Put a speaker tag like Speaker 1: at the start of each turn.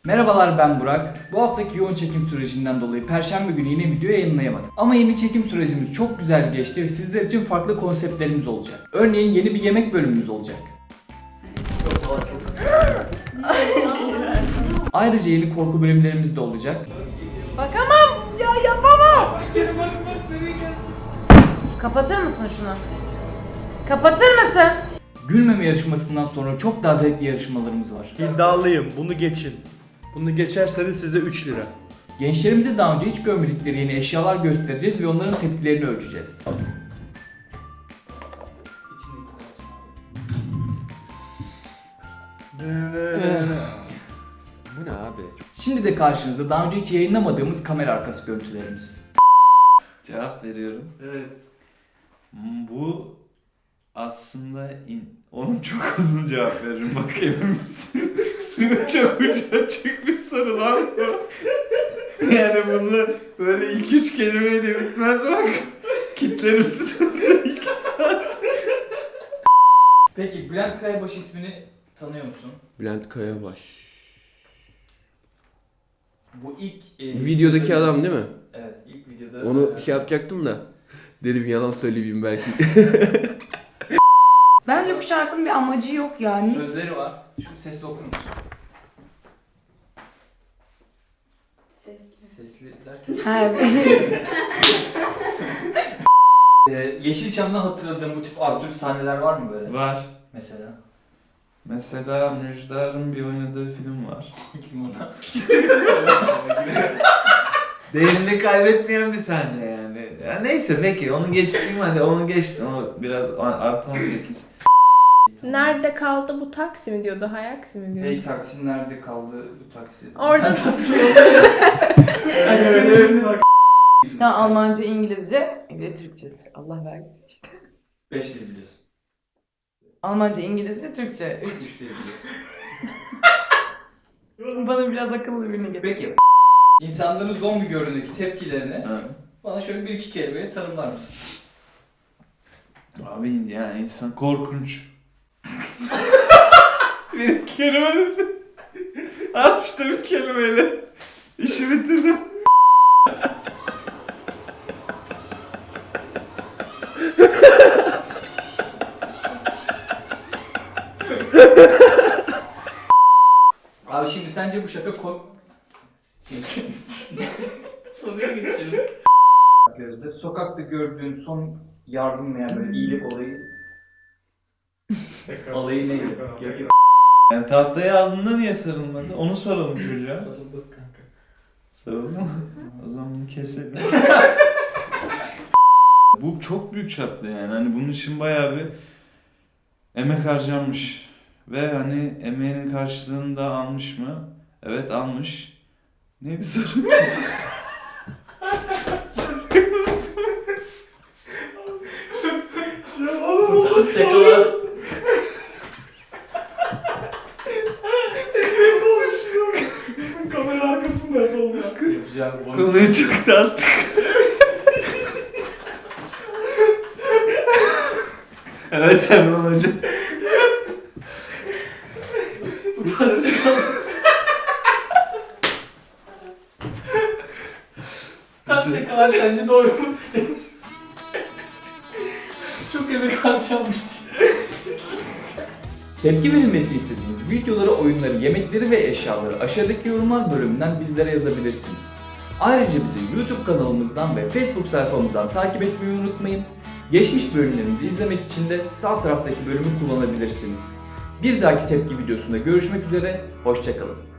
Speaker 1: Merhabalar, ben Burak. Bu haftaki yoğun çekim sürecinden dolayı Perşembe günü yine video yayınlayamadım. Ama yeni çekim sürecimiz çok güzel geçti ve sizler için farklı konseptlerimiz olacak. Örneğin yeni bir yemek bölümümüz olacak. Ayrıca yeni korku bölümlerimiz de olacak.
Speaker 2: Bakamam ya, yapamam. Kapatır mısın şunu? Kapatır mısın?
Speaker 1: Gülmeme yarışmasından sonra çok daha zevkli yarışmalarımız var.
Speaker 3: İddialıyım, bunu geçin. Bunu geçerseniz size 3 lira.
Speaker 1: Gençlerimize daha önce hiç görmedikleri yeni eşyalar göstereceğiz ve onların tepkilerini ölçeceğiz.
Speaker 4: Bu ne abi?
Speaker 1: Şimdi de karşınızda daha önce hiç yayınlamadığımız kamera arkası görüntülerimiz.
Speaker 5: Cevap veriyorum.
Speaker 3: Evet.
Speaker 5: Bu aslında onun çok uzun cevap veririm, bak emin misin? Çok ucu açık bir soru lan bu. Yani bunu böyle 2-3 kelimeyle bitmez bak. Kitlerim size 2 saat.
Speaker 1: Peki Bülent Kayabaş ismini tanıyor musun?
Speaker 4: Bülent Kayabaş.
Speaker 1: Bu ilk...
Speaker 4: Videodaki adam değil mi?
Speaker 1: Evet, ilk videoda...
Speaker 4: Onu şey yapacaktım da. Dedim yalan söyleyeyim belki.
Speaker 6: Bence bu şarkının bir amacı yok yani.
Speaker 1: Sözleri var. Şu sesli okur musun? Sesli derken...
Speaker 6: Ha, evet.
Speaker 1: Yeşilçam'dan hatırladığın bu tip absürt sahneler var mı böyle?
Speaker 5: Var.
Speaker 1: Mesela?
Speaker 5: Mesela Müjdar'ın bir oynadığı film var.
Speaker 1: Kim ona?
Speaker 5: Değerini kaybetmeyen bir sahne yani. Ya neyse peki onu geçtim, hadi onu geçtim. O biraz artı 18.
Speaker 7: Nerede kaldı bu taksi mi diyordu, Hayaksi mi diyordu?
Speaker 1: Hey taksi nerede kaldı bu taksi?
Speaker 7: Orada
Speaker 2: Ya Almanca, İngilizce, bir de Türkçe. Allah vergisi işte.
Speaker 1: 5 dil biliyorsun.
Speaker 2: Almanca, İngilizce, Türkçe.
Speaker 1: 3 dil biliyorsun.
Speaker 2: Bana biraz akıllı birini getir.
Speaker 1: Peki. İnsanların zombi gördüğündeki tepkilerini bana şöyle 1-2 kelimeyle tanımlar mısın?
Speaker 5: Abi ya insan korkunç. Bir kelime dedi. Al işte bir kelimeyle. İşi bitirdim.
Speaker 1: Abi şimdi sence bu şaka Soruya geçiyoruz. Gözde, sokakta gördüğün son yardım veya böyle iyilik olayı neydi?
Speaker 5: Yani tahtaya aldığında niye sarılmadı? Onu soralım çocuğa.
Speaker 1: Sarıldık kanka.
Speaker 5: Sarıldı mı? O zaman bunu keselim. Bu çok büyük çapta yani. Hani bunun için bayağı bir emek harcanmış. Ve hani emeğinin karşılığını da almış mı? Evet almış. Neydi soru?
Speaker 1: Şakalar.
Speaker 3: Kamera arkasında yapalım ya.
Speaker 1: Yapacağım
Speaker 5: Konuyu çok dağıttık. Evet Erman Hoca.
Speaker 1: Bu tarz şakalar sence doğru mu dedi? Çok emek harcanmıştı. Tepki verilmesi istediğiniz videoları, oyunları, yemekleri ve eşyaları aşağıdaki yorumlar bölümünden bizlere yazabilirsiniz. Ayrıca bizi YouTube kanalımızdan ve Facebook sayfamızdan takip etmeyi unutmayın. Geçmiş bölümlerimizi izlemek için de sağ taraftaki bölümü kullanabilirsiniz. Bir dahaki tepki videosunda görüşmek üzere, hoşça kalın.